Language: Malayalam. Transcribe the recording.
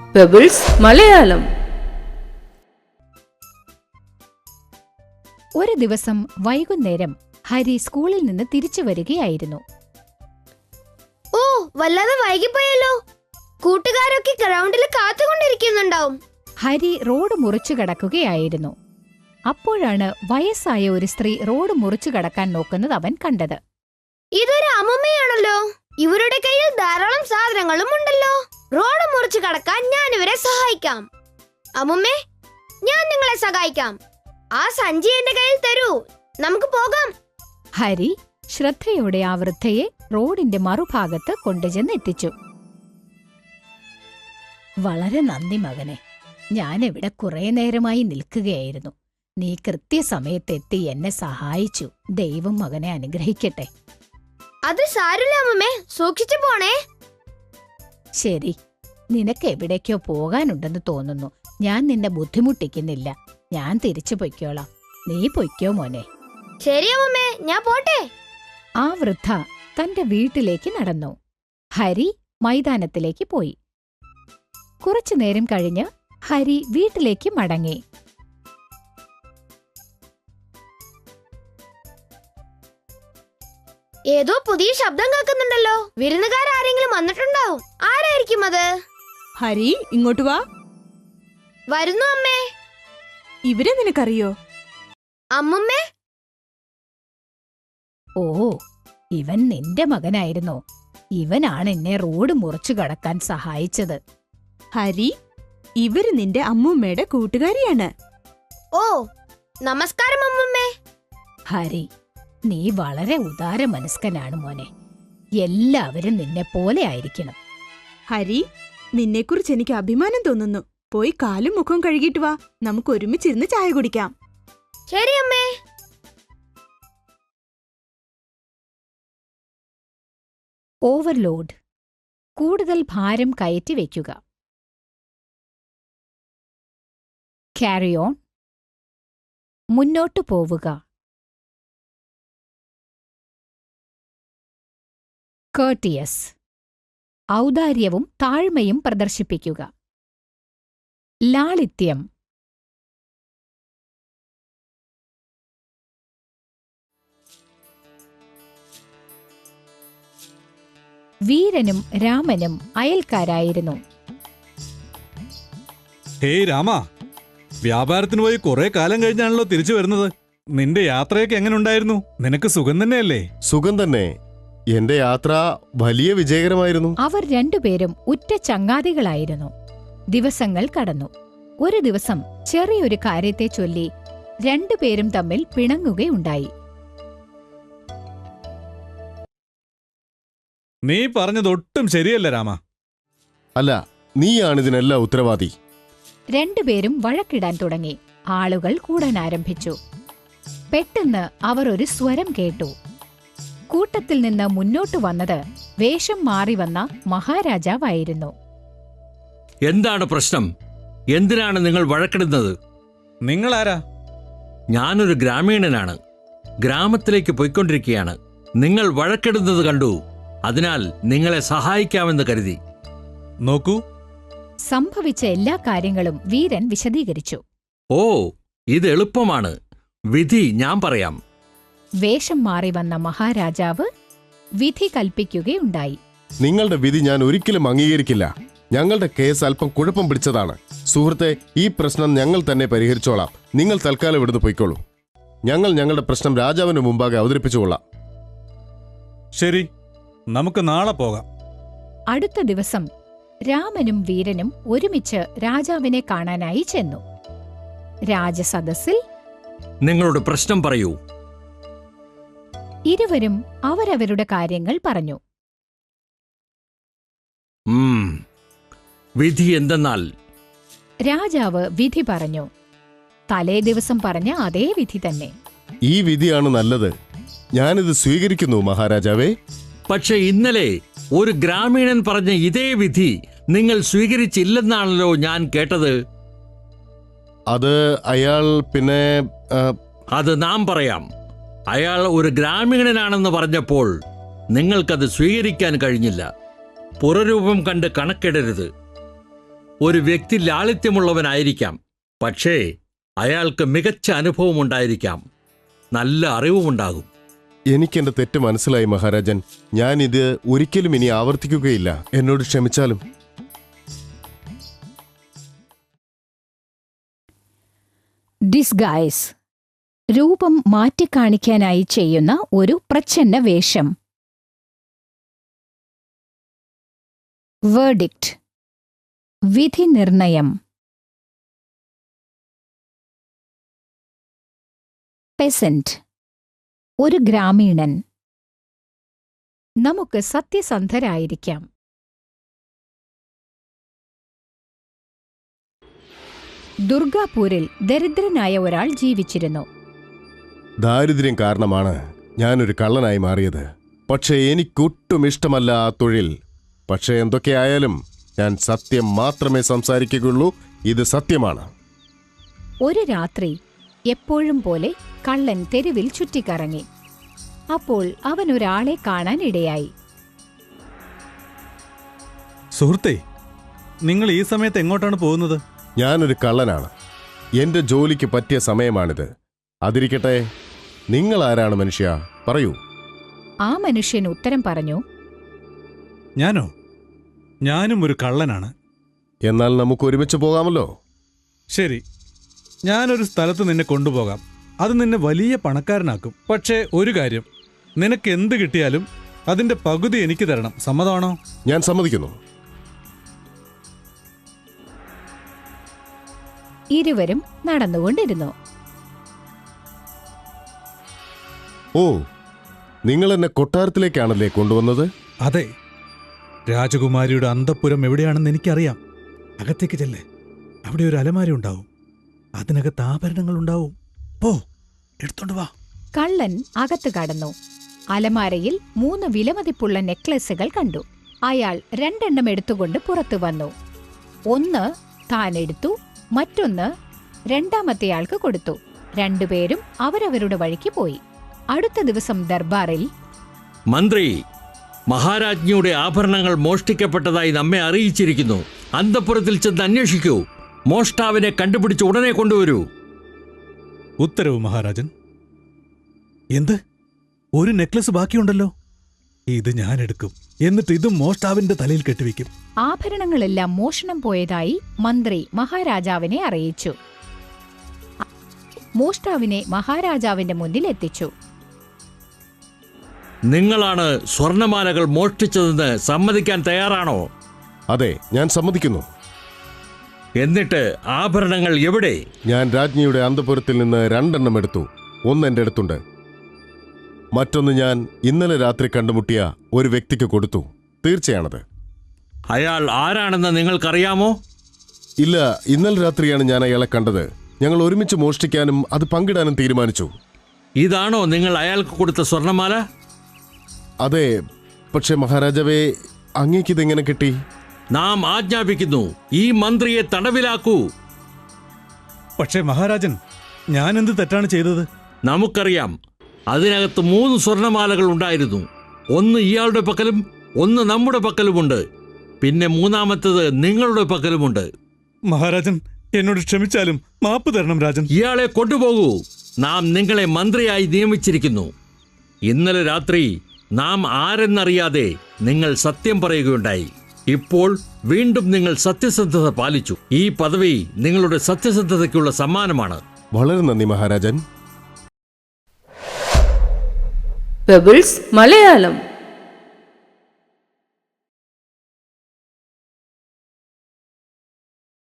പെബിൾസ് മലയാളം. ഒരു ദിവസം വൈകുന്നേരം ഹരി സ്കൂളിൽ നിന്ന് തിരിച്ചു വരികയായിരുന്നു. ഓ, വല്ലാതെ വൈകിപ്പോയല്ലോ. കൂട്ടുകാരൊക്കെ ഗ്രൗണ്ടിൽ കാത്തുകൊണ്ടിരിക്കുന്നുണ്ടാവും. ഹരി റോഡ് മുറിച്ചു കടക്കുകയായിരുന്നു. അപ്പോഴാണ് വയസ്സായ ഒരു സ്ത്രീ റോഡ് മുറിച്ചു കടക്കാൻ നോക്കുന്നത് അവൻ കണ്ടത്. ഇതൊരു അമ്മമ്മയാണല്ലോ. ഇവരുടെ കയ്യിൽ ധാരാളം സാധനങ്ങളും ഉണ്ടല്ലോ. റോഡ് മുറിച്ചു കടക്കാൻ ഞാൻ ഇവരെ സഹായിക്കാം. അമ്മുമ്മേ, ഞാൻ നിങ്ങളെ സഹായിക്കാം. ആ സഞ്ചി എന്റെ കയ്യിൽ തരൂ, നമുക്ക് പോകാം. ഹരി ശ്രദ്ധയോടെ ആ വൃദ്ധയെ റോഡിന്റെ മറുഭാഗത്ത് കൊണ്ടുചെന്നെത്തിച്ചു. വളരെ നന്ദി മകനെ, ഞാനിവിടെ കുറെ നേരമായി നിൽക്കുകയായിരുന്നു. നീ കൃത്യസമയത്തെത്തി എന്നെ സഹായിച്ചു. ദൈവം മകനെ അനുഗ്രഹിക്കട്ടെ. അത് സാരില്ല അമ്മുമ്മേ, സൂക്ഷിച്ചു പോണേ. ശരി, നിനക്ക് എവിടേക്കോ പോകാനുണ്ടെന്ന് തോന്നുന്നു. ഞാൻ നിന്നെ ബുദ്ധിമുട്ടിക്കുന്നില്ല. ഞാൻ തിരിച്ചു പൊയ്ക്കോളാം. നീ പൊയ്ക്കോ മോനെ. ശരി അമ്മുമ്മേ, ഞാൻ പോട്ടെ. ആ വൃദ്ധ തന്റെ വീട്ടിലേക്ക് നടന്നു. ഹരി മൈതാനത്തിലേക്ക് പോയി. കുറച്ചുനേരം കഴിഞ്ഞ് ഹരി വീട്ടിലേക്ക് മടങ്ങി. ഏതോ പുതിയ ശബ്ദം കേൾക്കുന്നുണ്ടല്ലോ. വിരുന്നുകാരെങ്കിലും വന്നിട്ടുണ്ടാവും. ആരായിരിക്കും അത്? ഹരി, ഇങ്ങോട്ട് വാ. വരുന്നു അമ്മേ. ഇവരെ നിനക്കറിയോ? അമ്മുമ്മേ. ഓ, ഇവൻ നിന്റെ മകനായിരുന്നോ? ഇവനാണ് എന്നെ റോഡ് മുറിച്ചു കടക്കാൻ സഹായിച്ചത്. ഹരി, ഇവര് നിന്റെ അമ്മൂമ്മയുടെ കൂട്ടുകാരിയാണ്. ഓ, നമസ്കാരം അമ്മുമ്മേ. ഹരി, നീ വളരെ ഉദാരമനസ്കനാണ് മോനെ. എല്ലാവരും നിന്നെ പോലെ ആയിരിക്കണം. ഹരി, നിന്നെക്കുറിച്ച് എനിക്ക് അഭിമാനം തോന്നുന്നു. പോയി കാലും മുഖവും കഴുകിയിട്ട് വാ. നമുക്ക് ഒരുമിച്ചിരുന്ന് ചായ കുടിക്കാം. ശരി അമ്മേ. ഓവർലോഡ്. കൂടുതൽ ഭാരം കയറ്റി വയ്ക്കുക. Carry on. മുന്നോട്ടു പോവുക. കേർട്ടിയസ്. ഔദാര്യവും താഴ്മയും പ്രദർശിപ്പിക്കുക. ലാളിത്യം. വീരനും രാമനും അയൽക്കാരായിരുന്നു. ഹേയ് രാമ, വ്യാപാരത്തിന് പോയി കുറെ കാലം കഴിഞ്ഞാണല്ലോ തിരിച്ചു വരുന്നത്. നിന്റെ യാത്രയൊക്കെ എങ്ങനെ ഉണ്ടായിരുന്നു? നിനക്ക് സുഖം തന്നെയല്ലേ? സുഖം തന്നെ. എന്റെ യാത്ര വലിയ വിജയകരമായിരുന്നു. അവർ രണ്ടുപേരും ഉറ്റ ചങ്ങാതികളായിരുന്നു. ദിവസങ്ങൾ കടന്നു. ഒരു ദിവസം ചെറിയൊരു കാര്യത്തെ ചൊല്ലി രണ്ടുപേരും തമ്മിൽ പിണങ്ങുകയുണ്ടായി. നീ പറഞ്ഞതൊട്ടും ശരിയല്ല രാമ. അല്ല, നീയാണിതിനെല്ലാം ഉത്തരവാദി. രണ്ടുപേരും വഴക്കിടാൻ തുടങ്ങി. ആളുകൾ കൂടാൻ ആരംഭിച്ചു. പെട്ടെന്ന് അവർ ഒരു സ്വരം കേട്ടു. കൂട്ടത്തിൽ നിന്ന് മുന്നോട്ടു വന്നത് വേഷം മാറി വന്ന മഹാരാജാവായിരുന്നു. എന്താണ് പ്രശ്നം? എന്തിനാണ് നിങ്ങൾ വഴക്കിടുന്നത്? നിങ്ങളാരാ? ഞാനൊരു ഗ്രാമീണനാണ്. ഗ്രാമത്തിലേക്ക് പോയിക്കൊണ്ടിരിക്കുകയാണ്. നിങ്ങൾ വഴക്കിടുന്നത് കണ്ടു. അതിനാൽ നിങ്ങളെ സഹായിക്കാമെന്ന് കരുതി. നോക്കൂ. സംഭവിച്ച എല്ലാ കാര്യങ്ങളും വീരൻ വിശദീകരിച്ചു. ഓ, ഇത് എളുപ്പമാണ്. വിധി ഞാൻ പറയാം. വേഷം മാറി വന്ന മഹാരാജാവ് വിധി കൽപ്പിക്കുകയുണ്ടായി. നിങ്ങളുടെ വിധി ഞാൻ ഒരിക്കലും അംഗീകരിക്കില്ല. ഞങ്ങളുടെ കേസ് അല്പം കുഴപ്പം പിടിച്ചതാണ്. സുഹൃത്തെ, ഈ പ്രശ്നം ഞങ്ങൾ തന്നെ പരിഹരിച്ചോളാം. നിങ്ങൾ തൽക്കാലം ഇവിടുന്ന് പൊയ്ക്കോളൂ. ഞങ്ങൾ ഞങ്ങളുടെ പ്രശ്നം രാജാവിന് മുമ്പാകെ അവതരിപ്പിച്ചുകൊള്ളാം. ശരി, നമുക്ക് നാളെ പോകാം. അടുത്ത ദിവസം രാമനും വീരനും ഒരുമിച്ച് രാജാവിനെ കാണാനായി ചെന്നു. രാജസദസ്സിൽ നിങ്ങളുടെ പ്രശ്നം പറയൂ. ഇരുവരും അവരവരുടെ കാര്യങ്ങൾ പറഞ്ഞു. വിധി എന്തെന്നാൽ? രാജാവ് വിധി പറഞ്ഞു. തലേ ദിവസം പറഞ്ഞ അതേ വിധി തന്നെ. ഈ വിധിയാണ് നല്ലത്. ഞാനിത് സ്വീകരിക്കുന്നു മഹാരാജാവേ. പക്ഷെ ഇന്നലെ ഒരു ഗ്രാമീണൻ പറഞ്ഞ ഇതേ വിധി നിങ്ങൾ സ്വീകരിച്ചില്ലെന്നാണല്ലോ ഞാൻ കേട്ടത്. അത് അയാൾ പിന്നെ അത് നാം പറയാം. അയാൾ ഒരു ഗ്രാമീണനാണെന്ന് പറഞ്ഞപ്പോൾ നിങ്ങൾക്കത് സ്വീകരിക്കാൻ കഴിഞ്ഞില്ല. പുറരൂപം കണ്ട് കണക്കിടരുത്. ഒരു വ്യക്തി ലാളിത്യമുള്ളവനായിരിക്കാം, പക്ഷേ അയാൾക്ക് മികച്ച അനുഭവമുണ്ടായിരിക്കാം, നല്ല അറിവുമുണ്ടാകും. എനിക്കെന്റെ തെറ്റ് മനസ്സിലായി മഹാരാജൻ. ഞാൻ ഇത് ഒരിക്കലും ഇനി ആവർത്തിക്കുകയില്ല. എന്നോട് ക്ഷമിച്ചാലും. ഡിസ്ഗൈസ്, രൂപം മാറ്റിക്കാണിക്കാനായി ചെയ്യുന്ന ഒരു പ്രച്ഛന്ന വേഷം. വേർഡിക്റ്റ്, വിധി നിർണയം. പെസന്റ്, ഒരു ഗ്രാമീണൻ. നമുക്ക് സത്യസന്ധരായിരിക്കാം. ദുർഗാപൂരിൽ ദരിദ്രനായ ഒരാൾ ജീവിച്ചിരുന്നു. ദാരിദ്ര്യം കാരണമാണ് ഞാനൊരു കള്ളനായി മാറിയത്. പക്ഷേ എനിക്കൊട്ടും ഇഷ്ടമല്ല ആ തൊഴിൽ. പക്ഷേ എന്തൊക്കെയായാലും ഞാൻ സത്യം മാത്രമേ സംസാരിക്കുകയുള്ളൂ. ഇത് സത്യമാണ്. ഒരു രാത്രി എപ്പോഴും പോലെ കള്ളൻ തെരുവിൽ ചുറ്റിക്കറങ്ങി. അപ്പോൾ അവൻ ഒരാളെ കാണാൻ ഇടയായി. സുഹൃത്തേ, നിങ്ങൾ ഈ സമയത്ത് എങ്ങോട്ടാണ് പോകുന്നത്? ഞാനൊരു കള്ളനാണ്. എന്റെ ജോലിക്ക് പറ്റിയ സമയമാണിത്. അതിരിക്കട്ടെ, നിങ്ങൾ ആരാണ് മനുഷ്യ? പറയൂ. ആ മനുഷ്യൻ ഉത്തരം പറഞ്ഞു, ഞാനോ? ഞാനും ഒരു കള്ളനാണ്. എന്നാൽ നമുക്ക് ഒരുമിച്ച് പോകാമല്ലോ. ശരി, ഞാനൊരു സ്ഥലത്ത് നിന്നെ കൊണ്ടുപോകാം. അത് നിന്നെ വലിയ പണക്കാരനാക്കും. പക്ഷേ ഒരു കാര്യം, നിനക്ക് എന്ത് കിട്ടിയാലും അതിന്റെ പകുതി എനിക്ക് തരണം. സമ്മതമാണോ? ഞാൻ സമ്മതിക്കുന്നു. ഇരുവരും നടന്നുകൊണ്ടിരുന്നു. ഓ, നിങ്ങൾ എന്നെ കൊട്ടാരത്തിലേക്കാണല്ലേ കൊണ്ടുവന്നത്? അതെ, രാജകുമാരിയുടെ അന്തഃപുരം എവിടെയാണെന്ന് എനിക്കറിയാം. അകത്തേക്ക് ചെല്ലേ. അവിടെ ഒരു അലമാര ഉണ്ടാവും. അതിനകത്ത് ആഭരണങ്ങൾ ഉണ്ടാവും. പോ, എടുത്തോണ്ട് വാ. കള്ളൻ അകത്ത് കടന്നു. അലമാരയിൽ 3 വിലമതിപ്പുള്ള നെക്ലസുകൾ കണ്ടു. അയാൾ 2 എണ്ണം എടുത്തുകൊണ്ട് പുറത്തു വന്നു. ഒന്ന് താൻ എടുത്തു, മറ്റൊന്ന് രണ്ടാമത്തെയാൾക്ക് കൊടുത്തു. രണ്ടുപേരും അവരവരുടെ വഴിക്ക് പോയി. അടുത്ത ദിവസം ദർബാറിൽ, മന്ത്രി, മഹാരാജ്ഞിയുടെ ആഭരണങ്ങൾ മോഷ്ടിക്കപ്പെട്ടതായി നമ്മെ അറിയിച്ചിരിക്കുന്നു. അന്തഃപുരത്തിൽ ചെന്ന് അന്വേഷിക്കൂ. മോഷ്ടാവിനെ കണ്ടുപിടിച്ച് ഉടനെ കൊണ്ടുവരൂ. ഉത്തരവ് മഹാരാജൻ. എന്ത്? ഒരു നെക്ലസ് ബാക്കിയുണ്ടല്ലോ. ഇത് ഞാൻ എടുക്കും. എന്നിട്ട് ഇതും മോഷ്ടാവിന്റെ തലയിൽ കെട്ടിവെക്കും. ആഭരണങ്ങളെല്ലാം മോഷണം പോയതായി മന്ത്രി മഹാരാജാവിനെ അറിയിച്ചു. മോഷ്ടാവിനെ മഹാരാജാവിന്റെ മുന്നിൽ എത്തിച്ചു. നിങ്ങളാണ് സ്വർണമാലകൾ മോഷ്ടിച്ചതെന്ന് സമ്മതിക്കാൻ തയ്യാറാണോ? അതെ, ഞാൻ സമ്മതിക്കുന്നു. എന്നിട്ട് ആഭരണങ്ങൾ എവിടെ? ഞാൻ രാജ്ഞിയുടെ അന്തഃപുരത്തിൽ നിന്ന് 2 എണ്ണം എടുത്തു. ഒന്ന് എന്റെ അടുത്തുണ്ട്. മറ്റൊന്ന് ഞാൻ ഇന്നലെ രാത്രി കണ്ടുമുട്ടിയ ഒരു വ്യക്തിക്ക് കൊടുത്തു. തീർച്ചയാണത്. അയാൾ ആരാണെന്ന് നിങ്ങൾക്കറിയാമോ? ഇല്ല, ഇന്നലെ രാത്രിയാണ് ഞാൻ അയാളെ കണ്ടത്. ഞങ്ങൾ ഒരുമിച്ച് മോഷ്ടിക്കാനും അത് പങ്കിടാനും തീരുമാനിച്ചു. ഇതാണോ നിങ്ങൾ അയാൾക്ക് കൊടുത്ത സ്വർണമാല? അതെ, പക്ഷെ മഹാരാജാവേ, അങ്ങേക്കിതെങ്ങനെ കിട്ടി? നാം ആജ്ഞാപിക്കുന്നു, ഈ മന്ത്രിയെ തടവിലാക്കൂ. പക്ഷേ മഹാരാജൻ, ഞാൻ എന്ത് തെറ്റാണ് ചെയ്തത്? നമുക്കറിയാം, അതിനകത്ത് 3 സ്വർണമാലകൾ ഉണ്ടായിരുന്നു. ഒന്ന് ഇയാളുടെ പക്കലും ഒന്ന് നമ്മുടെ പക്കലുമുണ്ട്. പിന്നെ മൂന്നാമത്തേത് നിങ്ങളുടെ പക്കലുമുണ്ട്. മഹാരാജൻ, എന്നോട് ക്ഷമിച്ചാലും മാപ്പ് തരണം രാജൻ. ഇയാളെ കൊണ്ടുപോകൂ. നാം നിങ്ങളെ മന്ത്രിയായി നിയമിച്ചിരിക്കുന്നു. ഇന്നലെ രാത്രി നാം ആരെന്നറിയാതെ നിങ്ങൾ സത്യം പറയുകയുണ്ടായി. ഇപ്പോൾ വീണ്ടും നിങ്ങൾ സത്യസന്ധത പാലിച്ചു. ഈ പദവി നിങ്ങളുടെ സത്യസന്ധതയ്ക്കുള്ള സമ്മാനമാണ്. വളരെ നന്ദി മഹാരാജൻ. പെബിൾസ് മലയാളം.